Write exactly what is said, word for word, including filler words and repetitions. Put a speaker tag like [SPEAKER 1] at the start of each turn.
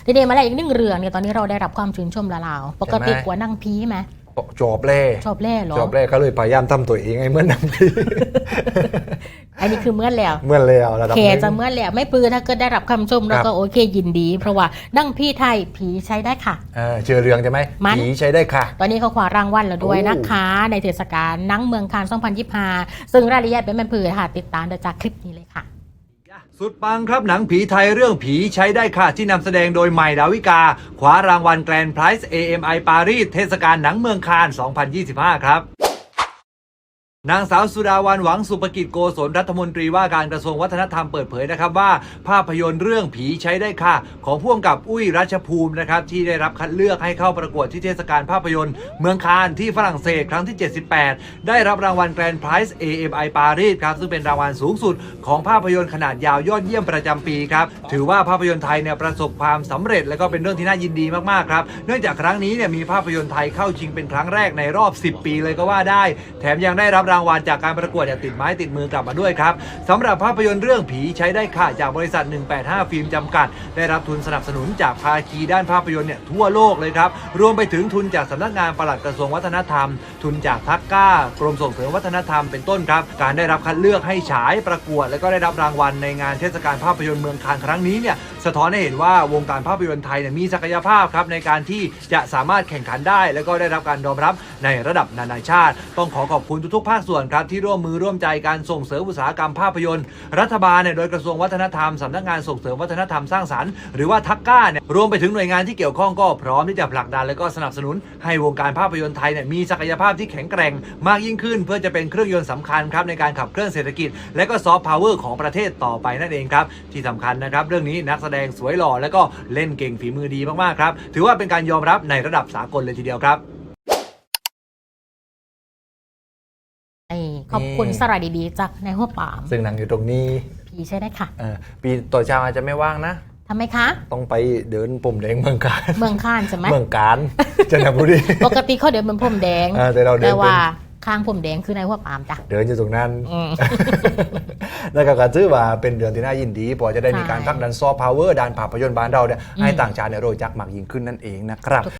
[SPEAKER 1] ทีนี้มาแล้วอีกหนึ่งเรื่องเนี่ยตอนนี้เราได้รับความชื่นชมแล้วเราปกติกว่านั่งพีไหม
[SPEAKER 2] จบเล่
[SPEAKER 1] ชอบเล่เหรอ
[SPEAKER 2] จบเล่เขาเลยพยายามทำตัวเองให้เหมือนนั่งพี
[SPEAKER 1] อันนี้คือเมื่อแล้ว
[SPEAKER 2] เมื่อนแล้วระดับ
[SPEAKER 1] เค
[SPEAKER 2] นึง
[SPEAKER 1] จะเมื่อแล้วไม่ปืนถ้าเกิดได้รับคำชมเราก็โอเคยินดี เพราะว่านั่งพี่ไทยผีใช้ได้ค่ะ
[SPEAKER 2] เออเชื่อเรื่องใช่ไหม
[SPEAKER 1] มัน
[SPEAKER 2] ผีใช้ได้ค่ะ
[SPEAKER 1] ตอนนี้เขาคว้ารางวัลแล้วด้วยนะคะในเทศกาลหนังเมืองคานสองพันยี่สิบห้าซึ่งรายละเอียดเป็นแบบผือค่ะติดตามได้จากคลิปนี้เลยค่ะ
[SPEAKER 3] สุดปังครับหนังผีไทยเรื่องผีใช้ได้ค่ะที่นำแสดงโดยใหม่ดาวิกาคว้ารางวัลแกรนด์ไพรส์ เอ เอ็ม ไอ ปารีสเทศกาลหนังเมืองคาน สองพันยี่สิบห้า ครับนางสาวสุดาวันหวังสุภกิจโกศลรัฐมนตรีว่าการกระทรวงวัฒนธรรมเปิดเผยนะครับว่าภาพยนตร์เรื่องผีใช้ได้ค่ะของผู้กำกับอุ้ยรัชภูมินะครับที่ได้รับคัดเลือกให้เข้าประกวดที่เทศกาลภาพยนตร์เมืองคานที่ฝรั่งเศสครั้งที่เจ็ดสิบแปดได้รับรางวัลแกรนด์ไพรส์ เอ เอ็ม ไอ ปารีสครับซึ่งเป็นรางวัลสูงสุดของภาพยนตร์ขนาดยาวยอดเยี่ยมประจำปีครับถือว่าภาพยนตร์ไทยเนี่ยประสบความสำเร็จและก็เป็นเรื่องที่น่ายินดีมากๆครับเนื่องจากครั้งนี้เนี่ยมีภาพยนตร์ไทยเข้าชิงเป็นครั้งแรกในรอบสิบปีเลยก็ว่าได้แถมยังได้รับรางวัลจากการประกวดอย่างติดไม้ติดมือกลับมาด้วยครับสำหรับภาพยนตร์เรื่องผีใช้ได้ค่ะจากบริษัทหนึ่งแปดห้าฟิล์มจำกัดได้รับทุนสนับสนุนจากภาคีด้านภาพยนตร์เนี่ยทั่วโลกเลยครับรวมไปถึงทุนจากสำนักงานปลัดกระทรวงวัฒนธรรมทุนจากทักก้ากรมส่งเสริมวัฒนธรรมเป็นต้นครับการได้รับคัดเลือกให้ฉายประกวดและก็ได้รับรางวัลในงานเทศกาลภาพยนตร์เมืองคานครั้งนี้เนี่ยสะท้อนให้เห็นว่าวงการภาพยนตร์ไทยเนี่ยมีศักยภาพครับในการที่จะสามารถแข่งขันได้และก็ได้รับการยอมรับในระดับนานาชาติต้องขอขอบคุณทุกๆภาคส่วนครับที่ร่วมมือร่วมใจการส่งเสริมอุตสาหกรรมภาพยนตร์รัฐบาลเนี่ยโดยกระทรวงวัฒนธรรมสำนักงานส่งเสริมวัฒนธรรมสร้างสรรค์หรือว่าทักก้าเนี่ยรวมไปถึงหน่วยงานที่เกี่ยวข้องก็พร้อมที่จะผลักดันและก็สนับสนุนให้วงการภาพยนตร์ไทยเนี่ยมีศักยภาพที่แข็งแกร่งมากยิ่งขึ้นเพื่อจะเป็นเครื่องยนต์สำคัญครับในการขับเคลื่อนเศรษฐกิจและก็ซอฟต์พาวเวอร์ของประเทศต่อไปนั่นเองครับที่สำคัญนะครับเรื่องนี้นักแสดงสวยหล่อและก็เล่นเก่งฝีมือดีมากๆครับถือว่าเป็นการยอมรับในระดับสากลเลยทีเดียวครับ
[SPEAKER 1] ขอบคุณสระดีๆจากในหัวปาม
[SPEAKER 2] ซึ่งหนังอยู่ตรงนี้
[SPEAKER 1] ผีใช้ได้ค่ะ
[SPEAKER 2] เออปีต่อเช้าอาจจะไม่ว่างนะ
[SPEAKER 1] ทำไมคะ
[SPEAKER 2] ต้องไปเดินปุ่มแดงเมืองการ
[SPEAKER 1] เมืองคานใช่ไหม
[SPEAKER 2] เมืองการจันทบุรี
[SPEAKER 1] ปกติเขาเดินเป็นพรมแดง
[SPEAKER 2] แต่เราเดิน
[SPEAKER 1] แต่ว่าข้างพรมแดงคือในหัวปามจ้ะ
[SPEAKER 2] เดินอยู่ตรงนั้น
[SPEAKER 1] อืม
[SPEAKER 2] แล้วก็กระชื่อว่าเป็นเดือนที่น่ายินดีเพอจะได้มีการผลักดันซอฟต์พาวเวอร์ด้านภาพยนตร์บ้านเราเนี่ยให้ต่างชาติเนี่ยรู้จักมากยิ่งขึ้นนั่นเองนะครับ